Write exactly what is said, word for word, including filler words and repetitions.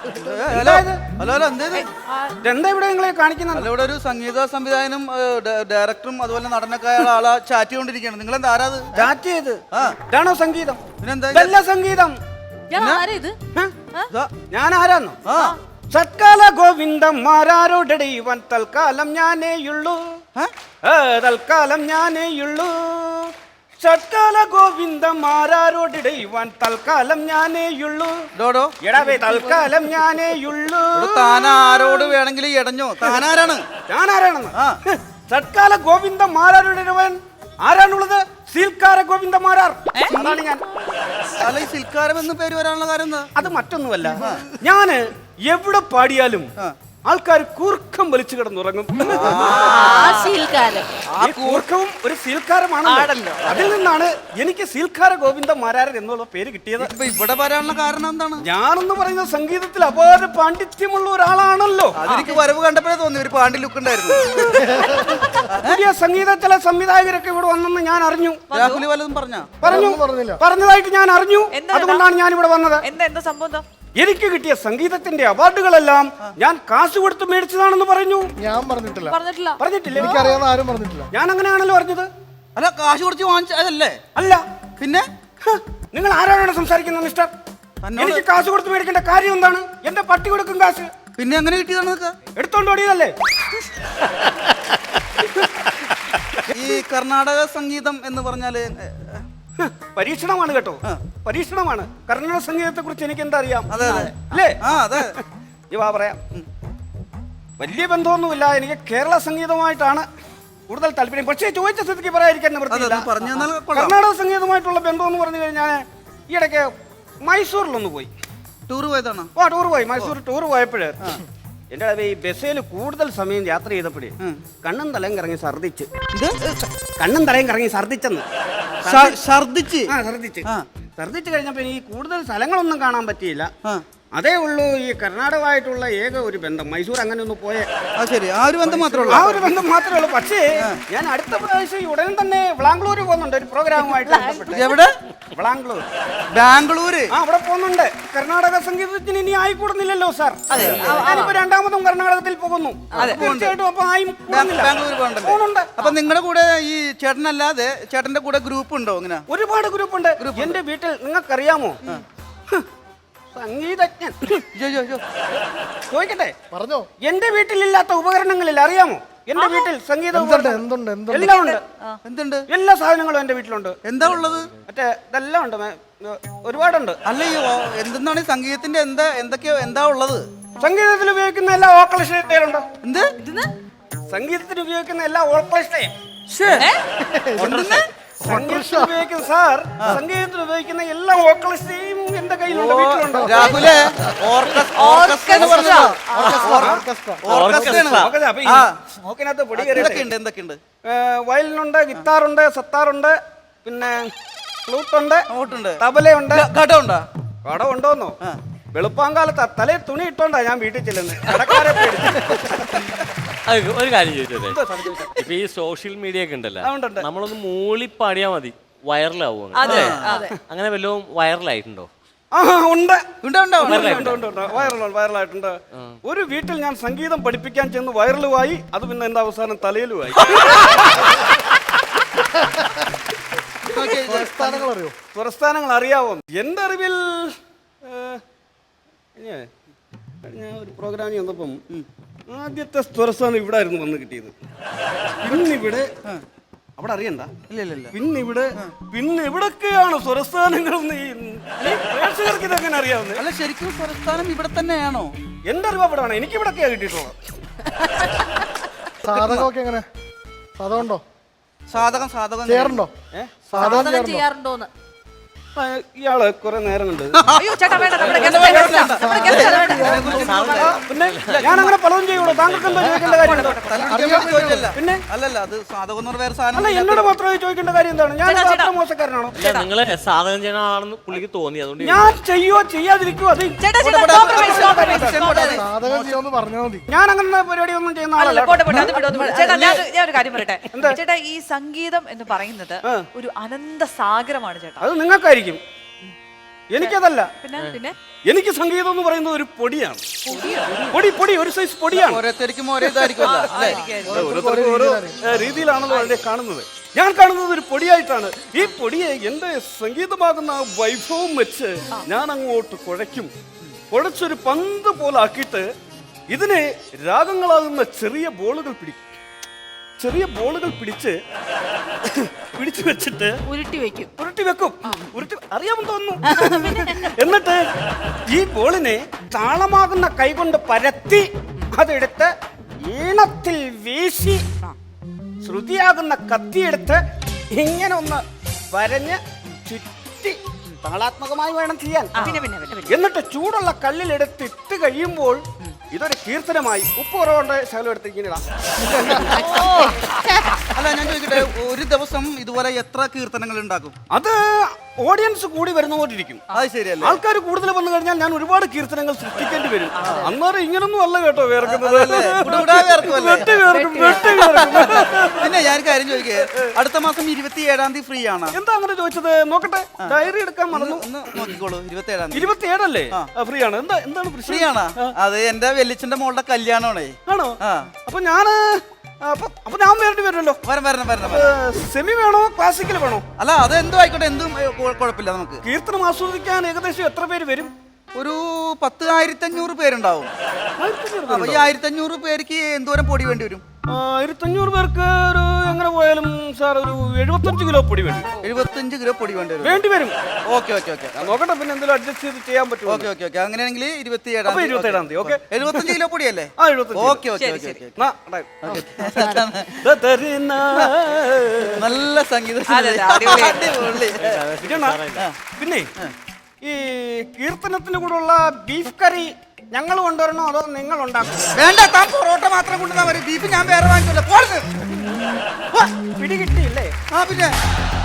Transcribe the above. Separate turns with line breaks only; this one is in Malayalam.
ഹലോ ഹലോ എന്തേത്
എന്താ ഇവിടെ നിങ്ങളെ കാണിക്കുന്നത്?
അല്ല, ഇവിടെ ഒരു സംഗീത സംവിധായകനും ഡയറക്ടറും അതുപോലെ നടനൊക്കെ ആളാ ചാറ്റ് ചെയ്തോണ്ടിരിക്കുകയാണ്. നിങ്ങൾ എന്താ ആരാത്?
ചാറ്റ് ചെയ്ത് ഇതാണോ സംഗീതം?
പിന്നെന്താ
ഇതല്ല സംഗീതം. ഞാൻ ആരാന്നോ? സത്കാല ഗോവിന്ദന്മാരോടെ ഇവൻ തൽക്കാലം ഞാനേയുള്ളൂ, തൽക്കാലം ഞാനേയുള്ളൂ. സത്കാല ഗോവിന്ദന്മാരോടെ ഇവൻ തൽക്കാലം ഞാനേയുള്ളൂ. എടാവേ തൽക്കാലം ഞാനേയുള്ളൂ.
താനാരോട് വേണമെങ്കിൽ ഇടഞ്ഞോ? താനാരാണ്?
ഞാനാരാണെന്ന്? സത്കാല ഗോവിന്ദന്മാരോടെ ഇവൻ ആരാണുള്ളത്? സീൽക്കാര ഗോവിന്ദമാരാർ. അതാണ് ഞാൻ.
അല്ല, ഈ സിൽക്കാരം എന്ന് പേര് വരാനുള്ള കാര്യം എന്താ?
അത് മറ്റൊന്നുമല്ല, ഞാന് എവിടെ പാടിയാലും ആൾക്കാർ കൂർക്കം വലിച്ചു കിടന്നുറങ്ങും. ഈ കൂർക്കവും ഒരു സീൽക്കാരമാണല്ലോ. അതിൽ നിന്നാണ് എനിക്ക് സീൽക്കാര ഗോവിന്ദമാരാർ എന്നുള്ള പേര് കിട്ടിയത്.
ഇവിടെ വരാനുള്ള കാരണം എന്താണ്?
ഞാനെന്ന് പറയുന്നത് സംഗീതത്തിൽ അപാര പാണ്ഡിത്യമുള്ള ഒരാളാണല്ലോ.
അതെനിക്ക് വരവ് കണ്ടപ്പോഴേ തോന്നി ഒരു പാണ്ടി ലുക്ക് ഉണ്ടായിരുന്നു.
പുതിയ സംഗീത ചില സംവിധായകരൊക്കെ ഇവിടെ വന്നെന്ന് ഞാൻ അറിഞ്ഞു.
രാഹുലി വല്ലതും പറഞ്ഞ
പറഞ്ഞു പറഞ്ഞതായിട്ട് ഞാൻ അറിഞ്ഞു. അതുകൊണ്ടാണ് ഞാൻ ഇവിടെ വന്നത്.
എന്താ സംഭവം?
എനിക്ക് കിട്ടിയ സംഗീതത്തിന്റെ അവാർഡുകളെല്ലാം ഞാൻ കാശ് കൊടുത്ത് മേടിച്ചതാണെന്ന് പറഞ്ഞു.
ഞാൻ പറഞ്ഞിട്ടില്ല.
പറഞ്ഞിട്ടില്ല
പറഞ്ഞിട്ടില്ല.
എനിക്കറിയാവുന്ന ആരും പറഞ്ഞിട്ടില്ല.
ഞാൻ അങ്ങനെയാണല്ലോ പറഞ്ഞത്.
അല്ല, കാശ് കൊടുത്ത് വാങ്ങിച്ചതല്ലേ?
അല്ല.
പിന്നെ
നിങ്ങൾ ആരാണ് സംസാരിക്കുന്നത് മിസ്റ്റർ? എനിക്ക് കാശ് കൊടുത്ത് മേടിക്കേണ്ട കാര്യം എന്താണ്? എന്റെ പട്ടി കൊടുക്കും കാശ്.
പിന്നെ എങ്ങനെ കിട്ടിയതാണ്?
എടുത്തോണ്ട് ഓടിയതല്ലേ?
ഈ കർണാടക സംഗീതം എന്ന് പറഞ്ഞാല്
പരീക്ഷണമാണ് കേട്ടോ, പരീക്ഷണമാണ്. കർണാടക സംഗീതത്തെ കുറിച്ച് എനിക്ക് എന്താ അറിയാം?
അതെ
അല്ലേ?
ആ അതെ.
ഈ വാ പറയാം. വലിയ ബന്ധമൊന്നുമില്ല, എനിക്ക് കേരള സംഗീതമായിട്ടാണ് കൂടുതൽ താല്പര്യം. പക്ഷേ ചോദിച്ച സ്ഥിതിക്ക് പറയാതിരിക്കാൻ നിവൃത്തിയില്ല. കർണാടക സംഗീതമായിട്ടുള്ള ബന്ധം എന്ന് പറഞ്ഞു കഴിഞ്ഞാൽ ഈ ഇടയ്ക്ക് മൈസൂരിലൊന്ന് പോയി.
ടൂർ പോയതാണോ?
ഓ ടൂർ പോയി. മൈസൂർ ടൂർ പോയപ്പോഴ് എന്റെ ഈ ബസ്സിൽ കൂടുതൽ സമയം യാത്ര ചെയ്തപ്പോഴേ കണ്ണും തലയും കറങ്ങി ഛർദിച്ച്. കണ്ണും തലയും കറങ്ങി ഛർദിച്ചെന്ന്.
ഛർദിച്ച്
ആ ഛർദിച്ച് ഛർദിച്ച് കഴിഞ്ഞപ്പോ ഈ കൂടുതൽ സ്ഥലങ്ങളൊന്നും കാണാൻ പറ്റിയില്ല. അതേ ഉള്ളൂ ഈ കർണാടകമായിട്ടുള്ള ഏക ഒരു ബന്ധം. മൈസൂർ അങ്ങനെ ഒന്ന് പോയ
ശരി, ആ ഒരു ബന്ധം മാത്രമേ ഉള്ളൂ.
ആ ഒരു ബന്ധം മാത്രമേ ഉള്ളൂ. പക്ഷേ ഞാൻ അടുത്ത പ്രാവശ്യം ഉടനെ തന്നെ ബാംഗ്ലൂർ പോകുന്നുണ്ട് ഒരു പ്രോഗ്രാമുമായിട്ട്.
എവിടെ?
ബാംഗ്ലൂർ.
ബാംഗ്ലൂര്?
ആ അവിടെ പോകുന്നുണ്ട്. കർണാടക സംഗീതത്തിന് ഇനി ആയിക്കൂടുന്നില്ലല്ലോ സാർ. ഞാനിപ്പോ രണ്ടാമതും കർണാടകത്തിൽ പോകുന്നു. തീർച്ചയായിട്ടും അപ്പൊ ആയി
ബാംഗ്ലൂർ പോകുന്നുണ്ട്. അപ്പൊ നിങ്ങളുടെ കൂടെ ഈ ചേട്ടനല്ലാതെ ചേട്ടന്റെ കൂടെ ഗ്രൂപ്പ് ഉണ്ടോ? ഇങ്ങനെ
ഒരുപാട് ഗ്രൂപ്പ് ഉണ്ട് എന്റെ വീട്ടിൽ. നിങ്ങൾക്കറിയാമോ സംഗീതജ്ഞൻ? ചോദിക്കട്ടെ,
പറഞ്ഞോ.
എന്റെ വീട്ടിലില്ലാത്ത ഉപകരണങ്ങളിൽ അറിയാമോ? എന്റെ വീട്ടിൽ സംഗീത എല്ലാം ഉണ്ട്.
എന്തുണ്ട്?
എല്ലാ സാധനങ്ങളും എന്റെ വീട്ടിലുണ്ട്.
എന്താ ഉള്ളത്?
മറ്റേ ഇതെല്ലാം ഉണ്ട്, ഒരുപാടുണ്ട്.
അല്ല, ഈ എന്തെന്നാണ് സംഗീതത്തിന്റെ എന്താ എന്തൊക്കെയോ എന്താ ഉള്ളത്?
സംഗീതത്തിൽ ഉപയോഗിക്കുന്ന എല്ലാ ഓർക്കസ്ട്രയിലുണ്ട്.
എന്ത്?
സംഗീതത്തിന് ഉപയോഗിക്കുന്ന എല്ലാ ഓർക്കസ്ട്രയും സംഗീതത്തിൽ ഉപയോഗിക്കുന്ന സാർ സംഗീതത്തിൽ ഉപയോഗിക്കുന്ന എല്ലാ ഓർക്കസ്ട്രയും എന്റെ കയ്യിലുണ്ട്, വീട്ടിലുണ്ട്.
രാഹുലേ,
സ്മോക്കിനകത്ത് പൊടി
എന്തൊക്കെയുണ്ട്?
വയലിനുണ്ട്, ഗിത്താറുണ്ട്, സത്താറുണ്ട്, പിന്നെ ഫ്ലൂട്ടുണ്ട്,
ഓട്ടുണ്ട്,
തബലയുണ്ട്.
ഘടമുണ്ടോ?
ഘടം ഉണ്ടോന്നോ? വെളുപ്പാങ്കാലത്ത് തലേ തുണി ഇട്ടോണ്ടാ ഞാൻ വീട്ടിൽ ചെല്ലുന്നത്. കടക്കാരെ
ഒരു കാര്യം ചോദിച്ചോട്ടെ, ഇപ്പൊ ഈ സോഷ്യൽ മീഡിയ ഒക്കെ ഉണ്ടല്ലോ, നമ്മളൊന്ന് മൂളി പാടിയാ മതി, വൈറലാവും. അങ്ങനെ വല്ലതും വൈറലായിട്ടുണ്ടോ?
വൈറലായിട്ടുണ്ട്. ഒരു വീട്ടിൽ ഞാൻ സംഗീതം പഠിപ്പിക്കാൻ ചെന്ന് വൈറലുമായി. അത് പിന്നെ എന്റെ അവസാനം തലയിലുമായി. സ്വരസ്ഥാനങ്ങൾ അറിയാവോ? എന്റെ അറിവിൽ ഞാൻ ഒരു പ്രോഗ്രാമിൽ വന്നപ്പം ആദ്യത്തെ സ്വരസ്ഥാനം ഇവിടെ ആയിരുന്നു വന്ന് കിട്ടിയത്. പിന്നിവിടെ അവിടെ അറിയണ്ട.
ഇല്ല ഇല്ല ഇല്ല.
പിന്നിവിടെ പിന്നെ ഇവിടൊക്കെയാണ് സ്വരസ്ഥാനങ്ങളെന്ന് ഈ പ്രേക്ഷകർക്ക് ഇതെങ്ങനെ അറിയാവുന്നത്?
അല്ല, ശരിക്കും സ്വരസ്ഥാനം ഇവിടെ തന്നെയാണോ?
എന്റെ അറിവ് അവിടെയാണ്. എനിക്ക് ഇവിടൊക്കെയാ കിട്ടിയിട്ടുള്ളത്.
സാധകമൊക്കെ എങ്ങനെ? സാധകമുണ്ടോ?
സാധകം സാധകം
ചെയ്യാറുണ്ടോ?
സാധകം ചെയ്യാറുണ്ടോന്ന്
ഇയാള് കുറെ നേരം കണ്ട്. പിന്നെ ഞാൻ അങ്ങനെ പലതും ചെയ്യുള്ളൂ. താങ്കൾക്ക് എന്താ ചോദിക്കേണ്ട കാര്യം? പിന്നെ
അല്ലല്ല, അത് സാധകം എന്ന് വേറെ സാധനം.
അല്ല, എന്നോട് മാത്രമേ ചോദിക്കേണ്ട കാര്യം എന്താണ്? ഞാൻ അത്ര മോശക്കാരനാണോ?
നിങ്ങള് സാധകം ചെയ്യണ ആളെന്ന് പുള്ളിക്ക് തോന്നി, അതുകൊണ്ട്
ഞാൻ ചെയ്യോ ചെയ്യാതിരിക്കുവോ? അത്
സാധകം ചെയ്യുമെന്ന് പറഞ്ഞാൽ മതി.
ഞാൻ അങ്ങനെ പരിപാടി ഒന്നും ചെയ്യുന്ന ആളല്ല.
ഞാൻ ഒരു കാര്യം പറയട്ടെ ചേട്ടാ, ഈ സംഗീതം എന്ന് പറയുന്നത് ഒരു അനന്ത സാഗരമാണ് ചേട്ടാ.
അത് നിങ്ങൾക്കായിരിക്കും. എനിക്കതല്ല.
പിന്നെ പിന്നെ
എനിക്ക് സംഗീതം എന്ന് പറയുന്നത് ഒരു പൊടിയാണ്. പൊടി പൊടി ഒരു സൈസ് പൊടിയാണ്.
ഓരോരുത്തർക്കും ഓരോ ഇതായിരിക്കുമല്ലോ അല്ലേ?
ഓരോരുത്തർക്കും ഓരോ ഏ, രീതിയിലാണല്ലോ അതിനെ കാണുന്നത്. ഞാൻ കാണുന്നത് ഒരു പൊടിയായിട്ടാണ്. ഈ പൊടിയെ എന്റെ സംഗീതമാകുന്ന ആ വൈഭവം വെച്ച് ഞാൻ അങ്ങോട്ട് കുഴയ്ക്കും. കുഴച്ചൊരു പന്ത് പോലെ ആക്കിയിട്ട് ഇതിനെ രാഗങ്ങളാകുന്ന ചെറിയ ബോളുകൾ പിടിക്കും. ചെറിയ ബോളുകൾ പിടിച്ച് പിടിച്ചു വെച്ചിട്ട്
ഉരുട്ടി വെക്കും.
ഉരുട്ടി വെക്കും. ഉരുട്ടി അറിയാമെന്ന് തോന്നുന്നു. എന്നിട്ട് ഈ ബോളിനെ താളമാകുന്ന കൈകൊണ്ട് പരത്തി അതെടുത്ത് ഈണത്തിൽ വീശി ശ്രുതിയാകുന്ന കത്തിയെടുത്ത് ഇങ്ങനെ ഒന്ന് വരഞ്ഞ് ചുറ്റി താളാത്മകമായി വേണം ചെയ്യാൻ.
പിന്നെ പിന്നെ പിന്നെ പിന്നെ.
എന്നിട്ട് ചൂടുള്ള കല്ലിലെടുത്ത് ഇട്ട് കഴിയുമ്പോൾ ഇതൊരു കീർത്തനമായി. ഉപ്പ് കുറവുണ്ട് ശകലം എടുത്ത് ഇങ്ങനെ ഇടാം.
അല്ല ഞാൻ ചോദിക്കട്ടെ, ഒരു ദിവസം ഇതുപോലെ എത്ര കീർത്തനങ്ങൾ ഉണ്ടാക്കും?
അത് ഓഡിയൻസ് കൂടി വരുന്നോണ്ടിരിക്കും.
അത് ശരിയല്ലേ?
ആൾക്കാർ കൂടുതൽ വന്നു കഴിഞ്ഞാൽ ഞാൻ ഒരുപാട് കീർത്തനങ്ങൾ സൃഷ്ടിക്കേണ്ടി വരും. അന്നേരം ഇങ്ങനൊന്നും അല്ല കേട്ടോ വേർക്കുന്നത്.
കുടുകുടാ വേർക്കുമല്ലേ?
വെട്ടി വേർക്കും, വെട്ടി വേർക്കും.
പിന്നെ ഞാൻ കാര്യം ചോദിക്കേ, അടുത്ത മാസം ഇരുപത്തി ഏഴാം തീയതി ഫ്രീ ആണ്?
എന്താ അങ്ങനെ ചോദിച്ചത്? നോക്കട്ടെ, ഡയറി എടുക്കാൻ മറന്നു.
ഒന്ന് നോക്കിക്കോളൂ. ഇരുപത്തി ഏഴാം തീയതി
ഇരുപത്തി ഏഴല്ലേ? ഫ്രീ ആണ്. എന്താ എന്താണ്
ഫ്രീ ആണ്? അത് എന്റെ വെല്ലിച്ചന്റെ മോളുടെ കല്യാണമാണേ.
ആണോ?
ആ
അപ്പൊ ഞാന് അപ്പൊ അപ്പൊ ഞാൻ വരേണ്ടി വരുമല്ലോ.
വരണം വരണം വരണം വരണം.
സെമി വേണോ ക്ലാസിക്കൽ വേണോ?
അല്ല അത് എന്തോ ആയിക്കോട്ടെ, എന്തും ഏ, കുഴ- കുഴപ്പമില്ല. നമുക്ക്
കീർത്തനം ആസ്വദിക്കാൻ ഏകദേശം എത്ര പേര് വരും?
ഒരു പത്ത് ആയിരത്തി അഞ്ഞൂറ് പേരുണ്ടാവും. അപ്പൊ ഈ ആയിരത്തി അഞ്ഞൂറ് പേർക്ക് എന്തോരം പൊടി വേണ്ടി വരും?
ആയിരത്തഞ്ഞൂറ് പേർക്ക് ഒരു എങ്ങനെ പോയാലും സാർ ഒരു എഴുപത്തഞ്ച് കിലോ പൊടി വേണ്ടി വരും.
എഴുപത്തഞ്ച് കിലോ പൊടി വേണ്ടി വരും.
വേണ്ടി വരും.
ഓക്കെ ഓക്കെ ഓക്കെ
ഞാൻ നോക്കട്ടെ, പിന്നെ എന്തെങ്കിലും അഡ്ജസ്റ്റ് ചെയ്ത് ചെയ്യാൻ പറ്റുമോ?
ഓക്കെ ഓക്കെ ഓക്കെ അങ്ങനെയാണെങ്കിൽ ഇരുപത്തി ഏഴാം
അപ്പൊ ഇരുപത്തേഴാം തീയതി. ഓക്കെ,
എഴുപത്തഞ്ച് കിലോ പൊടിയല്ലേ?
ആ എഴുപത്തഞ്ച്.
Okay okay okay okay. നല്ല സംഗീതം.
അതെ, അതെ, അടിപൊളി.
അടിപൊളി.
പിന്നെ ഈ കീർത്തനത്തിന്റെ കൂടെ ഉള്ള ബീഫ് കറി ഞങ്ങൾ കൊണ്ടുവരണോ അതോ നിങ്ങൾ ഉണ്ടാക്കും?
വേണ്ട, താൻ പൊറോട്ട മാത്രം കൊണ്ടുവന്നാ മതി. ബീഫ് ഞാൻ വേറെ വാങ്ങിച്ചോളാം. പോരുത്.
പിടികിട്ടിയില്ലേ?
ആ പിന്നെ